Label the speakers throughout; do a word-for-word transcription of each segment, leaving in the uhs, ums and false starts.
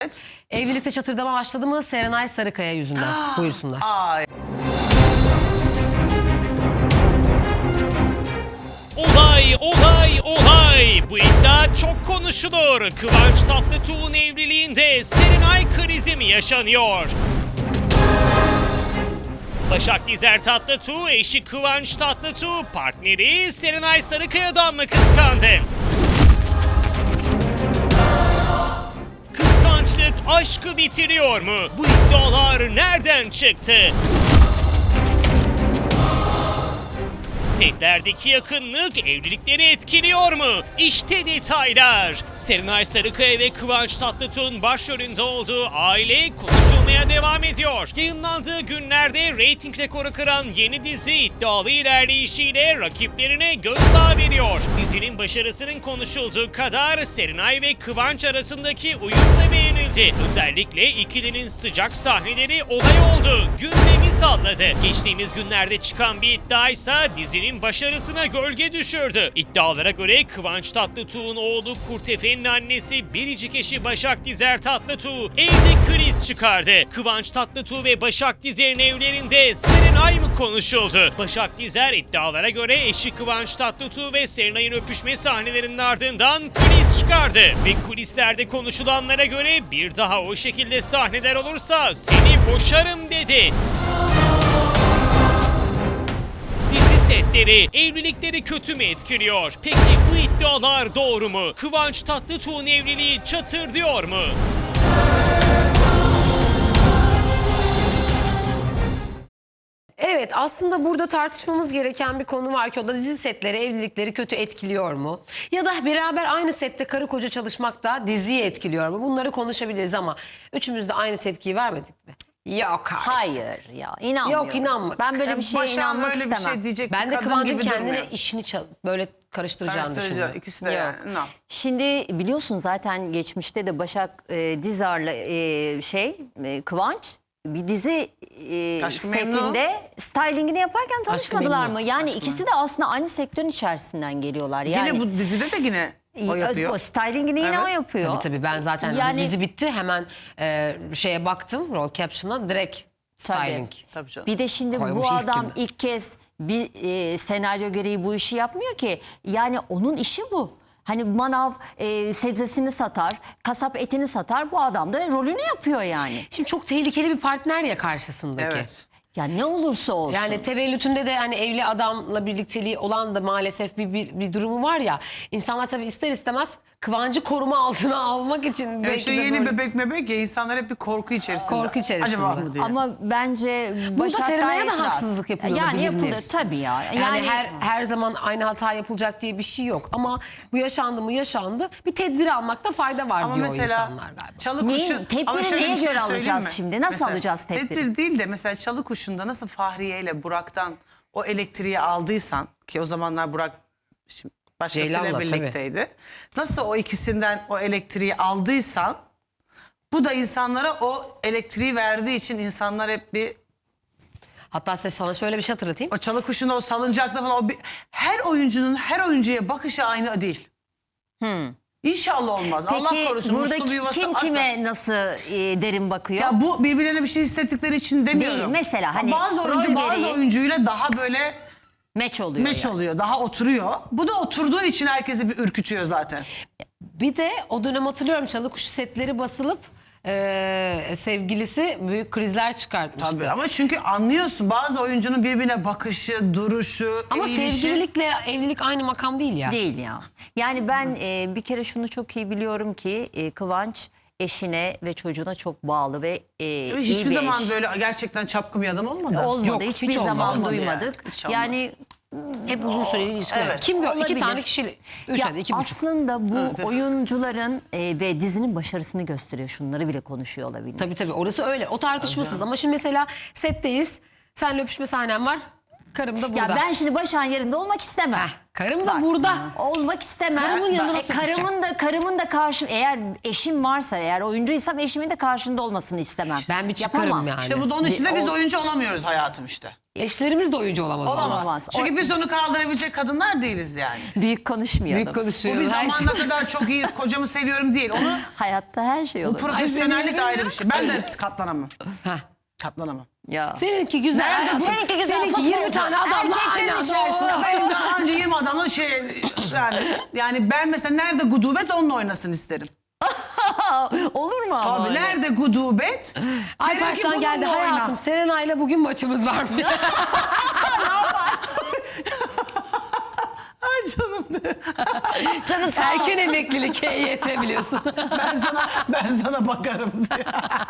Speaker 1: Evet.
Speaker 2: Evlilikte çatırdama başladı mı Serenay Sarıkaya yüzünden? Buyursunlar.
Speaker 1: Ay.
Speaker 3: Olay, olay, olay. Bu iddia çok konuşulur. Kıvanç Tatlıtuğ'un evliliğinde Serenay krizi mi yaşanıyor? Başak Dizer Tatlıtuğ, eşi Kıvanç Tatlıtuğ, partneri Serenay Sarıkaya'dan mı kıskandı? Kıskançlık aşkı bitiriyor mu? Bu iddialar nereden çıktı? Setlerdeki yakınlık evlilikleri etkiliyor mu? İşte detaylar. Serenay Sarıkaya ve Kıvanç Tatlıtuğ'un başrolünde olduğu Aile konuşulmaya devam ediyor. Yayınlandığı günlerde reyting rekoru kıran yeni dizi iddialı ilerleyişiyle rakiplerine gözdağı veriyor. Dizinin başarısının konuşulduğu kadar Serenay ve Kıvanç arasındaki uyum da beğenildi. Özellikle ikilinin sıcak sahneleri olay oldu. Gündemi salladı. Geçtiğimiz günlerde çıkan bir iddiaysa dizinin başarısına gölge düşürdü. İddialara göre Kıvanç Tatlıtuğ'un oğlu Kurtefe'nin annesi biricik eşi Başak Dizer Tatlıtuğ evde kriz çıkardı. Kıvanç Tatlıtuğ ve Başak Dizer'in evlerinde Serenay mı konuşuldu? Başak Dizer iddialara göre eşi Kıvanç Tatlıtuğ ve Serenay'ın öpüşme sahnelerinin ardından kriz çıkardı. Ve kulislerde konuşulanlara göre bir daha o şekilde sahneler olursa seni boşarım dedi. Setleri, evlilikleri kötü mü etkiliyor? Peki bu iddialar doğru mu? Kıvanç Tatlıtuğ'un evliliği çatır diyor mu?
Speaker 2: Evet, aslında burada tartışmamız gereken bir konu var ki o da dizi setleri evlilikleri kötü etkiliyor mu? Ya da beraber aynı sette karı koca çalışmak da diziyi etkiliyor mu? Bunları konuşabiliriz ama üçümüz de aynı tepkiyi vermedik mi? Yok artık.
Speaker 4: Hayır ya, inanmıyorum.
Speaker 2: Yok, inanmadık.
Speaker 4: Ben böyle bir
Speaker 1: Yani
Speaker 4: şeye
Speaker 1: Başak'ın
Speaker 4: inanmak
Speaker 1: öyle bir
Speaker 4: istemem.
Speaker 1: şey diyecek
Speaker 2: Ben
Speaker 1: bir
Speaker 2: de
Speaker 1: kadın
Speaker 2: Kıvancın
Speaker 1: gibi
Speaker 2: kendine
Speaker 1: durmuyor.
Speaker 2: işini çal- böyle karıştıracağını
Speaker 1: Karıştırıcı.
Speaker 2: düşünüyorum.
Speaker 1: İkisi de
Speaker 4: Yok.
Speaker 1: yani. No.
Speaker 4: Şimdi biliyorsun zaten geçmişte de Başak e, Dizar'la e, şey e, Kıvanç bir dizi e,
Speaker 1: Aşk-ı Memnu.
Speaker 4: setinde stylingini yaparken tanışmadılar
Speaker 2: Memnu.
Speaker 4: mı? Yani
Speaker 1: Aşk-ı
Speaker 4: ikisi de aslında aynı sektörün içerisinden geliyorlar. Yani
Speaker 1: Yine bu dizide de yine o yapıyor.
Speaker 4: O stylingini yine
Speaker 1: Evet.
Speaker 4: o yapıyor.
Speaker 2: Tabii tabii, ben zaten
Speaker 4: Yani-
Speaker 2: dizi bitti hemen e, şeye baktım, rol caption'a direkt
Speaker 4: Tabii.
Speaker 2: styling.
Speaker 1: Tabii canım.
Speaker 4: Bir de şimdi
Speaker 2: Koymuş
Speaker 4: bu
Speaker 2: ilk
Speaker 4: adam
Speaker 2: günden.
Speaker 4: ilk kez bir e, senaryo gereği bu işi yapmıyor ki. Yani onun işi bu. Hani manav e, sebzesini satar, kasap etini satar. Bu adam da rolünü yapıyor yani.
Speaker 2: Şimdi çok tehlikeli bir partner ya karşısındaki.
Speaker 1: Evet.
Speaker 4: Ya ne olursa olsun.
Speaker 2: Yani tevellütünde de hani evli adamla birlikteliği olan da maalesef bir, bir, bir durumu var ya. İnsanlar tabii ister istemez Kıvancı koruma altına almak için
Speaker 1: Ya
Speaker 2: belki
Speaker 1: işte
Speaker 2: de
Speaker 1: yeni
Speaker 2: böyle-
Speaker 1: bebek mebek ya, insanlar hep bir korku içerisinde.
Speaker 2: Korku içerisinde.
Speaker 1: Acaba mı diye.
Speaker 4: Ama bence Başak
Speaker 2: Serenay'a
Speaker 4: gayet
Speaker 2: da
Speaker 4: rahat.
Speaker 2: haksızlık yapılıyor
Speaker 4: Yani
Speaker 2: bildiğiniz.
Speaker 4: yapılır tabii ya.
Speaker 2: Yani,
Speaker 4: Yani,
Speaker 2: her her zaman aynı hata yapılacak diye bir şey yok. Ama bu yaşandı mı yaşandı. Bir tedbir almakta fayda var
Speaker 1: Ama
Speaker 2: diyor
Speaker 1: mesela
Speaker 2: insanlar galiba.
Speaker 1: çalı
Speaker 4: Neyin-
Speaker 1: kuşu...
Speaker 4: tedbiri
Speaker 1: Ama şöyle
Speaker 4: neye
Speaker 1: bir şey
Speaker 4: göre
Speaker 1: söyleyeyim
Speaker 4: alacağız
Speaker 1: mi?
Speaker 4: şimdi? Nasıl alacağız tedbiri?
Speaker 1: Tedbir değil de mesela çalı kuşunda nasıl Fahriye ile Burak'tan o elektriği aldıysan, ki o zamanlar Burak şimdi başkasıyla
Speaker 2: Ceylan'la,
Speaker 1: birlikteydi. Nasıl o ikisinden o elektriği aldıysan, bu da insanlara o elektriği verdiği için insanlar hep bir...
Speaker 2: Hatta size sana şöyle bir şey hatırlatayım.
Speaker 1: O çalı kuşunda o salıncakta falan, o bir, her oyuncunun her oyuncuya bakışı aynı değil. İnşallah olmaz. Allah
Speaker 4: peki
Speaker 1: korusun.
Speaker 4: burada
Speaker 1: Mutlu bir yuvası
Speaker 4: kim
Speaker 1: asla-
Speaker 4: kime nasıl e, derin bakıyor?
Speaker 1: Ya bu birbirlerine bir şey hissettikleri için demiyorum.
Speaker 4: Değil, mesela hani
Speaker 1: bazı oyuncu
Speaker 4: rol
Speaker 1: bazı
Speaker 4: gereği-
Speaker 1: oyuncuyla daha böyle
Speaker 4: Meç oluyor
Speaker 1: meç
Speaker 4: yani.
Speaker 1: oluyor. Daha oturuyor. Bu da oturduğu için herkesi bir ürkütüyor zaten.
Speaker 2: Bir de o dönem hatırlıyorum çalı kuşu setleri basılıp e, sevgilisi büyük krizler çıkartmıştı.
Speaker 1: Tabii ama çünkü anlıyorsun bazı oyuncunun birbirine bakışı, duruşu,
Speaker 2: Ama
Speaker 1: eğilişi.
Speaker 2: sevgililikle evlilik aynı makam değil ya.
Speaker 4: Değil ya. Yani ben e, bir kere şunu çok iyi biliyorum ki e, Kıvanç eşine ve çocuğuna çok bağlı ve e, iyi
Speaker 1: Hiçbir
Speaker 4: bir
Speaker 1: zaman
Speaker 4: eş.
Speaker 1: böyle gerçekten çapkın bir adam olmadı.
Speaker 4: olmadı.
Speaker 2: Yok,
Speaker 4: Hiçbir
Speaker 2: hiç olmadı.
Speaker 4: zaman
Speaker 1: Olmadı
Speaker 4: duymadık.
Speaker 1: yani, hiç olmadı.
Speaker 4: Yani
Speaker 2: Hep uzun süreli ilişkiler.
Speaker 1: Evet.
Speaker 2: Kim gör? İki
Speaker 4: Olabilir.
Speaker 2: tane kişi. Üç
Speaker 4: ya
Speaker 2: hadi iki buçuk.
Speaker 4: aslında bu
Speaker 1: Evet, evet.
Speaker 4: oyuncuların e, ve dizinin başarısını gösteriyor. Şunları bile konuşuyor olabilir.
Speaker 2: Tabii tabii, orası öyle. O tartışmasız ama şimdi mesela setteyiz. Senle öpüşme sahnem var. Karım da burada.
Speaker 4: Ya ben şimdi Başak'ın yerinde olmak istemem.
Speaker 2: Heh, karım da
Speaker 4: Bak,
Speaker 2: burada.
Speaker 4: Olmak istemem.
Speaker 2: Karımın yanına
Speaker 4: E,
Speaker 2: nasıl
Speaker 4: karımın da karımın da karşı eğer eşim varsa eğer oyuncuysam eşimin de karşında olmasını istemem.
Speaker 2: Ben bir çıkarım
Speaker 4: Yapamam.
Speaker 2: yani.
Speaker 1: İşte bu da onun
Speaker 4: Bir-
Speaker 1: içinde biz
Speaker 4: o-
Speaker 1: oyuncu olamıyoruz hayatım işte.
Speaker 2: Eşlerimiz de oyuncu olamaz.
Speaker 1: Olamaz.
Speaker 4: Olamaz.
Speaker 1: Çünkü
Speaker 4: O-
Speaker 1: biz onu kaldırabilecek kadınlar değiliz yani.
Speaker 4: Büyük konuşmayalım.
Speaker 2: Büyük
Speaker 1: Bu
Speaker 2: konuşuyoruz.
Speaker 1: bir
Speaker 2: her şey.
Speaker 1: zamanda kadar çok iyiyiz, kocamı seviyorum değil. Onu
Speaker 4: Hayatta her şey
Speaker 1: bu
Speaker 4: olur.
Speaker 1: profesyonellik
Speaker 2: Ay,
Speaker 1: ayrı bir şey. Ben de katlanamam.
Speaker 2: Heh.
Speaker 1: Katlanamam.
Speaker 4: Ya.
Speaker 2: Seninki güzel.
Speaker 1: Nerede
Speaker 2: hayatım.
Speaker 1: bu?
Speaker 4: Seninki güzel,
Speaker 2: Seninki yirmi
Speaker 4: futbolcu.
Speaker 2: tane adamla
Speaker 4: Erkeklerin
Speaker 2: aynı anda.
Speaker 4: içerisinde
Speaker 2: Oo.
Speaker 1: Benim daha önce yirmi adamla şey yani yani ben mesela nerede gudubet onunla oynasın isterim.
Speaker 4: Olur mu ama?
Speaker 1: Abi
Speaker 4: öyle?
Speaker 1: nerede gudubet?
Speaker 2: Alparslan geldi hayatım. Serenay'la bugün maçımız varmış.
Speaker 1: Ay canım de.
Speaker 2: Canım erken emeklilik H Y T biliyorsun.
Speaker 1: Ben sana ben sana bakarım diye.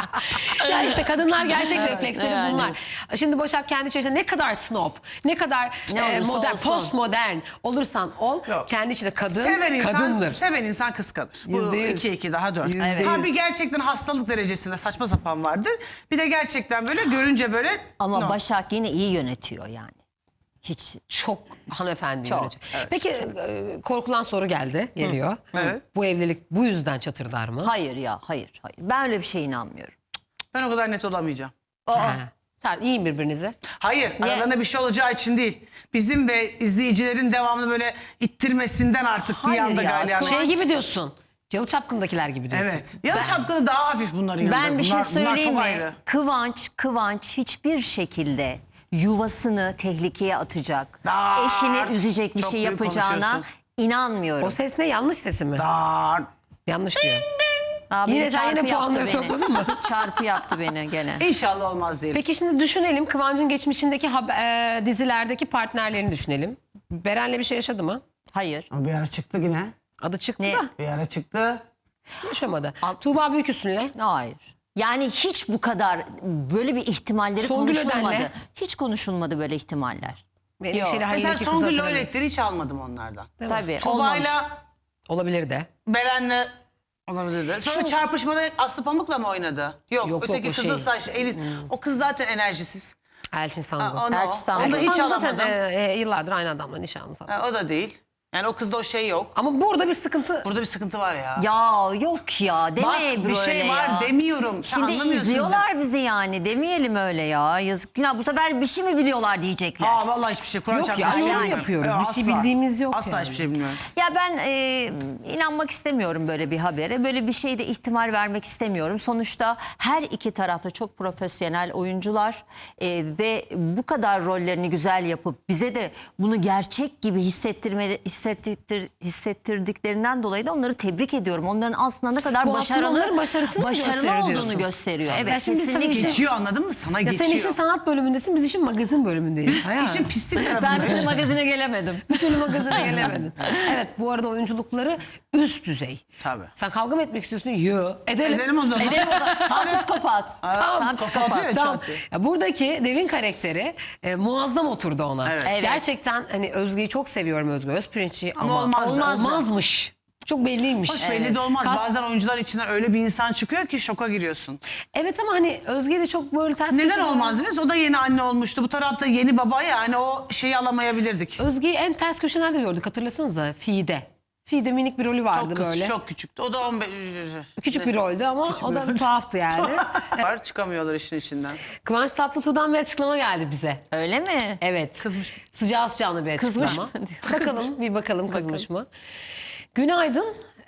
Speaker 2: Ya işte kadınlar gerçek refleksleri
Speaker 4: yani.
Speaker 2: bunlar. Şimdi Başak kendi içerisinde ne kadar snob, ne kadar
Speaker 4: Ne
Speaker 2: e,
Speaker 4: olursa
Speaker 2: modern,
Speaker 4: olsun.
Speaker 2: postmodern olursan ol,
Speaker 1: Yok.
Speaker 2: kendi içinde kadın,
Speaker 1: Seven insan,
Speaker 2: kadındır.
Speaker 1: seven insan kıskanır. Bu
Speaker 2: Yüzde yüz.
Speaker 1: iki iki daha dört.
Speaker 2: Yüzde
Speaker 1: Ha
Speaker 2: yüz.
Speaker 1: bir gerçekten hastalık derecesinde saçma sapan vardır. Bir de gerçekten böyle görünce böyle
Speaker 4: Ama
Speaker 1: no.
Speaker 4: Başak yine iyi yönetiyor yani. Hiç.
Speaker 2: Çok hanımefendi
Speaker 4: Çok,
Speaker 2: yönetici. Peki e, korkulan soru geldi, geliyor.
Speaker 1: Evet.
Speaker 2: Bu evlilik bu yüzden çatırdar mı?
Speaker 4: Hayır ya hayır hayır. Ben öyle bir şeye inanmıyorum.
Speaker 1: Ben o kadar net olamayacağım.
Speaker 2: Ha. Tamam, yiyin birbirinizi.
Speaker 1: Hayır, aralarında bir şey olacağı için değil. Bizim ve izleyicilerin devamlı böyle ittirmesinden artık
Speaker 4: Hayır
Speaker 1: bir anda
Speaker 4: ya,
Speaker 1: galyan.
Speaker 2: Şey gibi diyorsun. Yalı Çapkın'dakiler gibi diyorsun.
Speaker 1: Evet. Ya şapkalı daha hafif bunların yanında.
Speaker 4: Ben bir şey
Speaker 1: bunlar,
Speaker 4: söyleyeyim
Speaker 1: bunlar çok
Speaker 4: mi?
Speaker 1: ayrı.
Speaker 4: Kıvanç, Kıvanç hiçbir şekilde yuvasını tehlikeye atacak,
Speaker 1: Aa,
Speaker 4: eşini üzecek bir
Speaker 1: çok
Speaker 4: şey
Speaker 1: büyük
Speaker 4: yapacağına
Speaker 1: konuşuyorsun.
Speaker 4: inanmıyorum.
Speaker 2: O ses ne? Yanlış sesi mi?
Speaker 1: Dar.
Speaker 2: Yanlış diyor.
Speaker 4: Aa,
Speaker 2: Yine
Speaker 4: beni
Speaker 2: sen
Speaker 4: çarpı
Speaker 2: yine
Speaker 4: yaptı
Speaker 2: puanları
Speaker 4: beni.
Speaker 2: topladın mı?
Speaker 4: Çarpı yaptı beni gene.
Speaker 1: İnşallah olmaz diyelim.
Speaker 2: Peki şimdi düşünelim. Kıvancın geçmişindeki haber- e, dizilerdeki partnerlerini düşünelim. Beren'le bir şey yaşadı mı?
Speaker 4: Hayır.
Speaker 1: Bir ara çıktı yine.
Speaker 2: Adı çıktı
Speaker 4: Ne?
Speaker 2: da
Speaker 1: Bir ara çıktı.
Speaker 2: yaşamadı. Tuğba Büyüküstün'le.
Speaker 4: Hayır. Yani hiç bu kadar böyle bir ihtimalleri
Speaker 2: Songül
Speaker 4: konuşulmadı.
Speaker 2: Öden'le.
Speaker 4: Hiç konuşulmadı böyle ihtimaller.
Speaker 2: Benim
Speaker 4: Yok.
Speaker 2: şeyle
Speaker 1: Mesela
Speaker 2: Halil'deki kızı
Speaker 1: Songül'le
Speaker 2: hatırlamıyorum.
Speaker 1: öğretleri hiç almadım onlardan.
Speaker 2: Değil mi?
Speaker 4: Tabii olmamış.
Speaker 1: Tuba'yla
Speaker 2: Olabilir de.
Speaker 1: Beren'le olabilirdi. Sonra çarpışmada Aslı Pamuk'la mı oynadı? Yok,
Speaker 2: Yok,
Speaker 1: öteki
Speaker 2: yok, o
Speaker 1: kızıl
Speaker 2: şey.
Speaker 1: saç Eliz. O kız zaten enerjisiz.
Speaker 2: Elçin
Speaker 1: Ha,
Speaker 2: Sangu.
Speaker 1: onu,
Speaker 4: Elçi Sangu.
Speaker 1: onu da
Speaker 2: Elçin
Speaker 1: hiç
Speaker 2: Sangu
Speaker 1: alamadım.
Speaker 2: zaten e, e, yıllardır aynı adamla nişanlı falan.
Speaker 1: Ha, o da değil. Yani o kızda o şey yok.
Speaker 2: Ama burada bir sıkıntı.
Speaker 1: Burada bir sıkıntı var ya.
Speaker 4: Ya yok ya deme
Speaker 1: Bak
Speaker 4: böyle
Speaker 1: bir şey var
Speaker 4: ya.
Speaker 1: demiyorum. Sen
Speaker 4: Şimdi
Speaker 1: anlamıyorsun
Speaker 4: izliyorlar bizi yani demeyelim öyle ya. Yazık ya bu sefer bir şey mi biliyorlar diyecekler.
Speaker 1: Aa vallahi hiçbir şey. Kur'an
Speaker 2: Yok
Speaker 1: çarpsın
Speaker 2: ya,
Speaker 1: hiçbir şey
Speaker 2: yorum
Speaker 1: bilmiyorum.
Speaker 2: yapıyoruz.
Speaker 1: Ya,
Speaker 2: Bir şey
Speaker 1: asla.
Speaker 2: bildiğimiz yok
Speaker 1: Asla
Speaker 2: yani.
Speaker 1: hiçbir şey bilmiyorum.
Speaker 4: Ya ben e, inanmak istemiyorum böyle bir habere. Böyle bir şeyde ihtimal vermek istemiyorum. Sonuçta her iki tarafta çok profesyonel oyuncular e, ve bu kadar rollerini güzel yapıp bize de bunu gerçek gibi hissettirme hissettir, hissettirdiklerinden dolayı da onları tebrik ediyorum. Onların aslında ne kadar
Speaker 2: Bu aslında
Speaker 4: başarılı
Speaker 2: onların başarısını mı
Speaker 4: başarılı
Speaker 2: gösteriyor
Speaker 4: olduğunu
Speaker 2: diyorsun?
Speaker 4: gösteriyor. Evet
Speaker 2: Ya şimdi tabii
Speaker 4: kesinlikle.
Speaker 2: işin-
Speaker 1: Geçiyor anladın mı? Sana
Speaker 2: Ya
Speaker 1: geçiyor.
Speaker 2: sen işin sanat bölümündesin, biz işin magazin bölümündeyiz. Hayal.
Speaker 1: İşin pislik
Speaker 4: Ben bir
Speaker 1: tarafındayız.
Speaker 4: türlü magazine gelemedim.
Speaker 2: Bir türlü magazine gelemedin. Evet, bu arada oyunculukları üst düzey.
Speaker 1: Tabii.
Speaker 2: Sen kavga mı etmek istiyorsun? Yo. Edelim.
Speaker 1: Edelim o zaman.
Speaker 4: Edelim o zaman. Tam psikopat.
Speaker 2: Tamam.
Speaker 4: Tam psikopat.
Speaker 1: Kapatıyor ya
Speaker 2: Tamam.
Speaker 1: çatı.
Speaker 2: Ya buradaki Devin karakteri e, muazzam oturdu ona.
Speaker 1: Evet.
Speaker 4: Evet.
Speaker 2: Gerçekten hani Özge'yi çok seviyorum, Özge Özpirinç'i ama,
Speaker 1: Ama olmazdı.
Speaker 2: olmazmış. Çok belliymiş.
Speaker 1: Hoş belli de olmaz.
Speaker 2: Kas-
Speaker 1: Bazen oyuncular içinden öyle bir insan çıkıyor ki şoka giriyorsun.
Speaker 2: Evet ama hani Özge de çok böyle ters
Speaker 1: Neden
Speaker 2: köşe-
Speaker 1: olmaz biliyor musun? O da yeni anne olmuştu. Bu tarafta yeni baba yani o şeyi alamayabilirdik.
Speaker 2: Özge'yi en ters köşelerde gördük, hatırlasanıza. Fi'de. Fi'de minik bir rolü vardı
Speaker 1: Çok kız,
Speaker 2: böyle.
Speaker 1: çok küçüktü. O da on beş...
Speaker 2: Küçük bir roldü ama o da
Speaker 1: rol.
Speaker 2: tuhaftı yani.
Speaker 1: Var çıkamıyorlar işin içinden.
Speaker 2: Kıvanç Tatlıtuğ'dan bir açıklama geldi bize.
Speaker 4: Öyle mi?
Speaker 2: Evet.
Speaker 1: Kızmış.
Speaker 2: Sıcağı sıcağına bir açıklama.
Speaker 4: Kızmış mı diyor?
Speaker 2: Bakalım bir bakalım kızmış mı? Günaydın.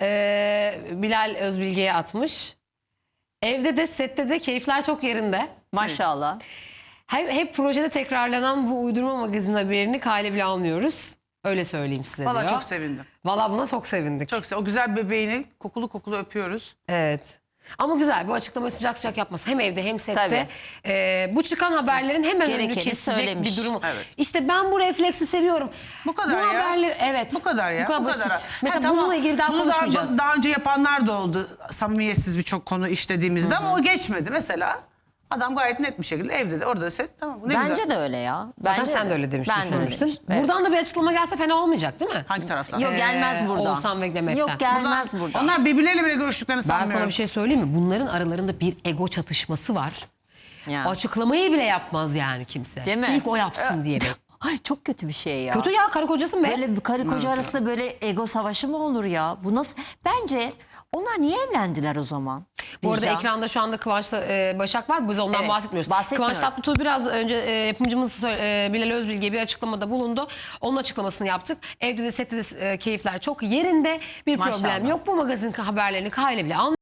Speaker 2: Ee, Bilal Özbilge'ye atmış. Evde de sette de keyifler çok yerinde.
Speaker 4: Maşallah.
Speaker 2: Hep, hep projede tekrarlanan bu uydurma magazin haberini kale bile almıyoruz. Öyle söyleyeyim size
Speaker 1: Valla
Speaker 2: diyor.
Speaker 1: çok sevindim.
Speaker 2: Valla buna çok sevindik.
Speaker 1: Çok sevindim. O güzel bebeğini kokulu kokulu öpüyoruz.
Speaker 2: Evet. Ama güzel, bu açıklamayı sıcak sıcak yapması. Hem evde hem sette.
Speaker 4: Tabii.
Speaker 2: Ee, bu çıkan haberlerin hemen önünü
Speaker 4: Gerekeni
Speaker 2: kesecek
Speaker 4: söylemiş.
Speaker 2: bir durumu.
Speaker 1: Evet.
Speaker 2: İşte ben bu refleksi seviyorum.
Speaker 1: Bu kadar
Speaker 2: bu
Speaker 1: ya.
Speaker 2: haberler, evet.
Speaker 1: Bu kadar ya.
Speaker 2: Bu kadar
Speaker 1: bu
Speaker 2: basit.
Speaker 1: kadar.
Speaker 2: Mesela
Speaker 1: Ha, tamam.
Speaker 2: bununla ilgili daha
Speaker 1: Bunu
Speaker 2: konuşmayacağız.
Speaker 1: Daha, daha önce yapanlar da oldu. Samimiyetsiz birçok konu işlediğimizde ama o geçmedi. Mesela adam gayet net bir şekilde evde de orada da set. Tamam bu ne
Speaker 4: Bence
Speaker 1: güzel.
Speaker 4: de öyle ya.
Speaker 2: Zaten
Speaker 4: Bence
Speaker 2: sen de öyle demiştin,
Speaker 4: Ben de öyle
Speaker 2: düşünmüştün.
Speaker 4: demiştim. Evet.
Speaker 2: Buradan da bir açıklama gelse fena olmayacak değil mi?
Speaker 1: Hangi taraftan?
Speaker 4: Yok gelmez
Speaker 2: Ee,
Speaker 4: buradan.
Speaker 2: Oğuzhan ve Demet'ten.
Speaker 4: Yok gelmez buradan.
Speaker 1: Onlar birbirleriyle bile görüştüklerini
Speaker 2: Ben
Speaker 1: sanmıyorum.
Speaker 2: sana bir şey söyleyeyim mi? Bunların aralarında bir ego çatışması var.
Speaker 4: Yani.
Speaker 2: Açıklamayı bile yapmaz yani kimse.
Speaker 4: Değil mi?
Speaker 2: İlk o yapsın diye.
Speaker 4: Ay çok kötü bir şey ya.
Speaker 2: Kötü ya, karı kocasın be.
Speaker 4: Böyle bir karı koca arasında böyle ego savaşı mı olur ya? Bu nasıl? Bence onlar niye evlendiler o zaman?
Speaker 2: Bu arada
Speaker 4: Bircan.
Speaker 2: ekranda şu anda Kıvanç'la e, Başak var. Biz ondan
Speaker 4: Evet,
Speaker 2: bahsetmiyoruz.
Speaker 4: bahsetmiyoruz.
Speaker 2: Kıvanç Tatlıtuğ biraz önce e, yapımcımız e, Bilal Özbilge bir açıklamada bulundu. Onun açıklamasını yaptık. Evde de sette de e, keyifler çok yerinde. Bir
Speaker 4: Maşallah.
Speaker 2: problem yok. Bu magazin haberlerini Kayla bile anlıyor.